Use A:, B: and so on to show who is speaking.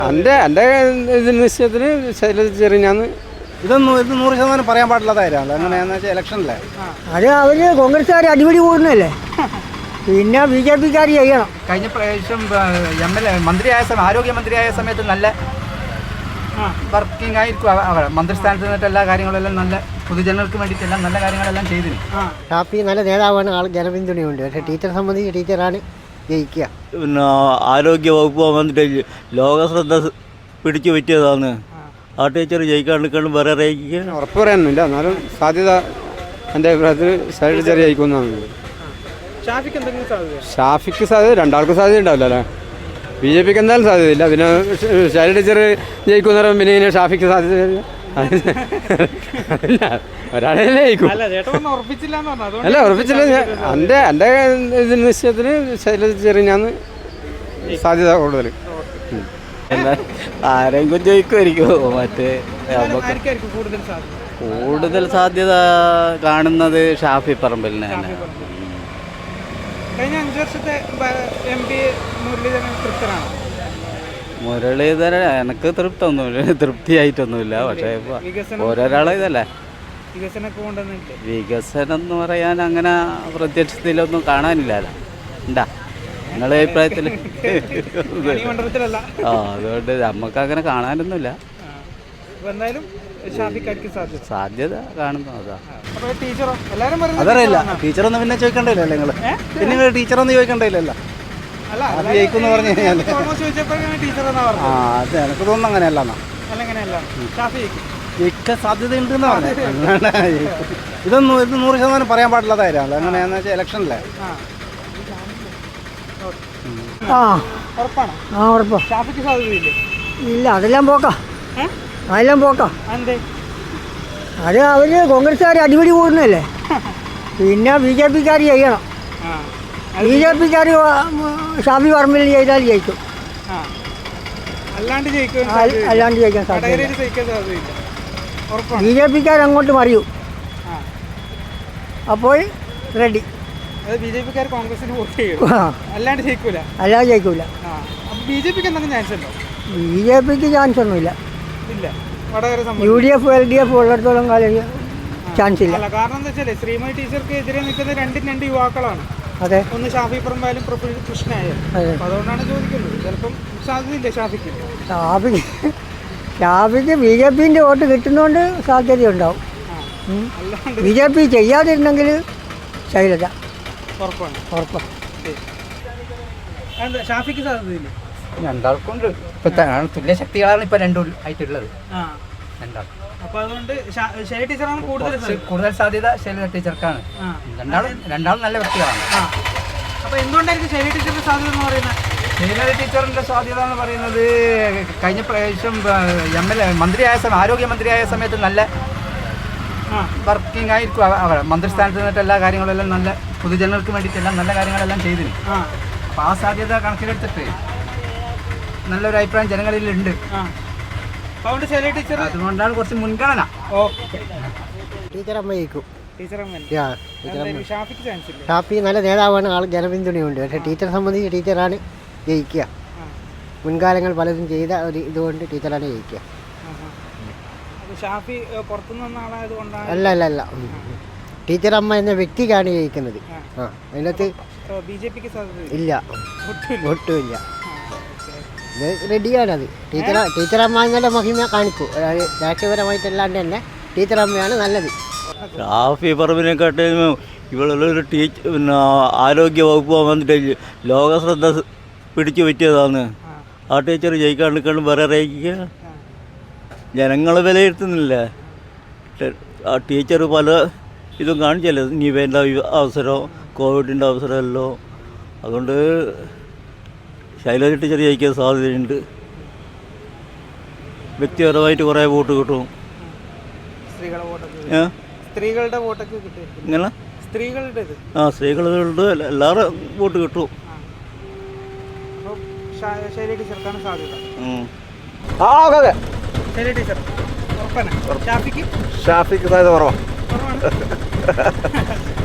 A: എൻ്റെ നിശ്ചയത്തിന് ശൈലജ ചെറിയാന്ന്
B: ഇത് 100% പറയാൻ പാടില്ലാത്ത കാര്യമാണ്. എങ്ങനെയാണെന്ന് വെച്ചാൽ ഇലക്ഷനല്ലേ,
C: അത് അവർ കോൺഗ്രസ്സുകാർ അടിപിടി കൂടുന്നല്ലേ, പിന്നെ BJP-ക്കാർ ചെയ്യണം.
D: കഴിഞ്ഞ പ്രാവശ്യം ആരോഗ്യമന്ത്രിയായ സമയത്ത് നല്ല വർക്കിംഗ് ആയിരിക്കും അവർ. മന്ത്രിസ്ഥാനത്ത് നിന്നിട്ട് എല്ലാ കാര്യങ്ങളെല്ലാം നല്ല പൊതുജനങ്ങൾക്ക് വേണ്ടിയിട്ടെല്ലാം നല്ല കാര്യങ്ങളെല്ലാം ചെയ്തിരുന്നു.
C: ഷാഫി നല്ല നേതാവാണ്, ആൾ ജനപിന്തുണയുണ്ട്. പക്ഷേ ടീച്ചറെ സംബന്ധിച്ച് ടീച്ചറാണ് ജയിക്കുക.
E: പിന്നെ ആരോഗ്യ വകുപ്പ് വന്നിട്ട് ലോകശ്രദ്ധ പിടിച്ചു പറ്റിയതാണ്. ആ ടീച്ചർ ജയിക്കാണ്ടിരിക്കണം വേറെ അറിയിക്കുക
A: ഉറപ്പ് പറയാനൊന്നുമില്ല. എന്നാലും സാധ്യത എൻ്റെ അഭിപ്രായത്തിൽ ശൈലജ ചെറിയ ജയിക്കുന്നതാണ്. ഷാഫിക്ക് സാധ്യത, രണ്ടാൾക്കും സാധ്യത ഉണ്ടാവില്ല അല്ലേ. BJP-ക്ക് എന്തായാലും സാധ്യതയില്ല. പിന്നെ ശൈലജ ടീച്ചർ ജയിക്കുന്നവരും പിന്നെ ഇങ്ങനെ ഷാഫിക്ക് സാധ്യതയില്ല. ഒരാളെ ജയിക്കും. അല്ല ഉറപ്പിച്ചില്ല. എൻ്റെ നിശ്ചയത്തിന് ശൈലജ ചെറിയാന്ന് സാധ്യത കൂടുതൽ.
E: ആരെങ്കിലും ജയിക്കുമായിരിക്കും. മറ്റേ കൂടുതൽ സാധ്യത കാണുന്നത് ഷാഫി പറമ്പിലിനെ തന്നെ.
F: കഴിഞ്ഞ 5 വർഷത്തെ MP മുരളീധരൻ തൃപ്തനാണ്.
E: മുരളീധരൻ എനിക്ക് തൃപ്തിയായിട്ടൊന്നുമില്ല. പക്ഷേ ഓരോരാളെ ഇതല്ലേ വികസനം എന്ന് പറയാൻ അങ്ങനെ പ്രത്യക്ഷത്തിലൊന്നും കാണാനില്ലല്ലോ. ഉണ്ടാ നിങ്ങളുടെ അഭിപ്രായത്തിൽ? അതുകൊണ്ട് നമുക്ക് അങ്ങനെ കാണാനൊന്നുമില്ല. സാധ്യത കാണുന്നു.
B: അതറിയില്ല. ടീച്ചറൊന്നും പിന്നെ ചോദിക്കണ്ടല്ലോ നിങ്ങൾ, പിന്നെ ടീച്ചറൊന്നും ചോദിക്കണ്ടല്ലോ. അത് ജയിക്കുമെന്ന് പറഞ്ഞു കഴിഞ്ഞാൽ അത് എനിക്ക് തോന്നുന്നു അങ്ങനെയല്ല. ജയിക്കാൻ സാധ്യതയുണ്ടെന്ന് പറഞ്ഞു. ഇത് 100% പറയാൻ പാടില്ലാത്ത കാര്യമാണ്. എങ്ങനെയാണെന്ന് വെച്ചാൽ ഇലക്ഷനല്ലേ.
C: ഇല്ല, അതെല്ലാം പോക്കാം. അത് അവർ കോൺഗ്രസ്സുകാർ അടിപിടി കൂടുന്നല്ലേ, പിന്നെ BJP-ക്കാർ ചെയ്യണം. BJP-ക്കാർ ഷാഫി പറമ്പിൽ ചെയ്താൽ ജയിക്കും. അല്ലാണ്ട് ജയിക്കാൻ സാധ്യത. BJP-ക്കാർ അങ്ങോട്ട് മറിയൂ, അപ്പോൾ റെഡി.
F: BJP-ക്കാർ കോൺഗ്രസിന് വോട്ട് ചെയ്യും, അല്ലാണ്ട് ജയിക്കൂല. BJP-ക്ക് എന്തെങ്കിലും ചാൻസ് ഉണ്ടോ?
C: BJP-ക്ക് ചാൻസ് ഒന്നുമില്ല. UDF LDF ഉള്ളിടത്തോളം കാലം ചാൻസ് ഇല്ല.
F: കാരണം എന്താ വെച്ചാൽ ശ്രീമതി ടീച്ചർക്ക് എതിരെ നിൽക്കുന്ന രണ്ട് യുവാക്കളാണ്.
C: അതെ,
F: ഒന്ന് ഷാഫി പറമ്പായാലും പ്രഫുൽ കൃഷ്ണയായാലും. അതുകൊണ്ടാണ് ചോദിക്കുന്നത്. ചിലപ്പം സാധ്യതയില്ല ഷാഫിക്ക്. BJP-ന്റെ വോട്ട് കിട്ടുന്നതുകൊണ്ട് സാധ്യതയുണ്ടാവും. BJP ചെയ്യാതിരുന്നെങ്കിൽ ശൈലജ ഉറപ്പാണ്. ഷാഫിക്ക് സാധ്യതയില്ല.
D: രണ്ടാൾക്കുണ്ട്. തുല്യ ശക്തികളാണ് ഇപ്പൊ രണ്ടും ആയിട്ടുള്ളത്.
F: അപ്പൊ അതുകൊണ്ട് ശൈലജ ടീച്ചറാണ്
D: കൂടുതൽ സാധ്യത. ശൈലജ ടീച്ചർക്കാണ്. രണ്ടാളും നല്ല വ്യക്തികളാണ്.
F: അപ്പൊ എന്തുകൊണ്ടായിരിക്കും ശൈലജ ടീച്ചറിന്റെ സാധ്യത എന്ന് പറയുന്നത്?
D: ശൈലജ ടീച്ചറിന്റെ സാധ്യത എന്ന് പറയുന്നത് കഴിഞ്ഞ പ്രാവശ്യം ആരോഗ്യമന്ത്രിയായ സമയത്ത് നല്ല വർക്കിംഗ് ആയിരിക്കും അവർ. മന്ത്രിസ്ഥാനത്ത് നിന്നിട്ട് എല്ലാ കാര്യങ്ങളെല്ലാം നല്ല പൊതുജനങ്ങൾക്ക് വേണ്ടിയിട്ടെല്ലാം നല്ല കാര്യങ്ങളെല്ലാം ചെയ്തിരുന്നു. അപ്പോൾ ആ സാധ്യത കണക്കിലെടുത്തിട്ട് നല്ലൊരു അഭിപ്രായം ജനങ്ങളിലുണ്ട്. അതുകൊണ്ടാണ് കുറച്ച് മുൻഗണന.
C: ടീച്ചറമ്മ ജയിക്കും.
F: ഷാഫിക്ക് ചാൻസ് ഇല്ല.
C: ഷാഫി നല്ല നേതാവാണ്, ആൾ ജനപിന്തുണയുണ്ട്. പക്ഷേ ടീച്ചറെ സംബന്ധിച്ച് ടീച്ചറാണ് ജയിക്കുക. മുൻകാലങ്ങൾ പലതും ചെയ്ത ഒരു ഇതുകൊണ്ട് ടീച്ചറാണ് ജയിക്കുക.
F: ഷാഫി പുറത്തുനിന്ന് വന്ന ആളായതുകൊണ്ടാണ്?
C: അല്ല, ടീച്ചറമ്മ എന്ന വ്യക്തിക്കാണ് ജയിക്കുന്നത്. അതിനകത്ത്
F: BJP-ക്ക്
C: ഇല്ല, ഒട്ടുമില്ല. ഇത് റെഡിയാണത്. ടീച്ചറമ്മ എന്നുള്ള മഹിമ കാണിക്കൂ. അതായത് രാഷ്ട്രീയപരമായിട്ടല്ലാണ്ട് തന്നെ ടീച്ചറമ്മയാണ് നല്ലത്.
E: ഷാഫി പറമ്പിനെക്കാട്ടും ഇവളൊരു പിന്നെ ആരോഗ്യ വകുപ്പ് വന്നിട്ട് ലോകശ്രദ്ധ പിടിച്ചു പറ്റിയതാണ്. ആ ടീച്ചർ ജയിക്കാണ്ടിരിക്കണം വേറെ അറിയിക്കുക ജനങ്ങൾ വിലയിരുത്തുന്നില്ല. ആ ടീച്ചർ പല ഇതും കാണിച്ചല്ലോ, നിവേൻ്റെ അവസരം, കോവിഡിൻ്റെ അവസരമല്ലോ. അതുകൊണ്ട് ശൈലജ ടീച്ചർ ജയിക്കാൻ സാധ്യതയുണ്ട്. വ്യക്തിപരമായിട്ട് കുറേ വോട്ട് കിട്ടും.
F: സ്ത്രീകളുടെ വോട്ടൊക്കെ കിട്ടും.
E: ഇങ്ങനെ സ്ത്രീകളുടെ എല്ലാവരും വോട്ട് കിട്ടും.
F: ശൈലജ ടീച്ചർക്കാണ് സാധ്യത. ശൈലജ ടീച്ചർ
B: ഷാഫിക്ക് സാധ്യത കുറവാണ്.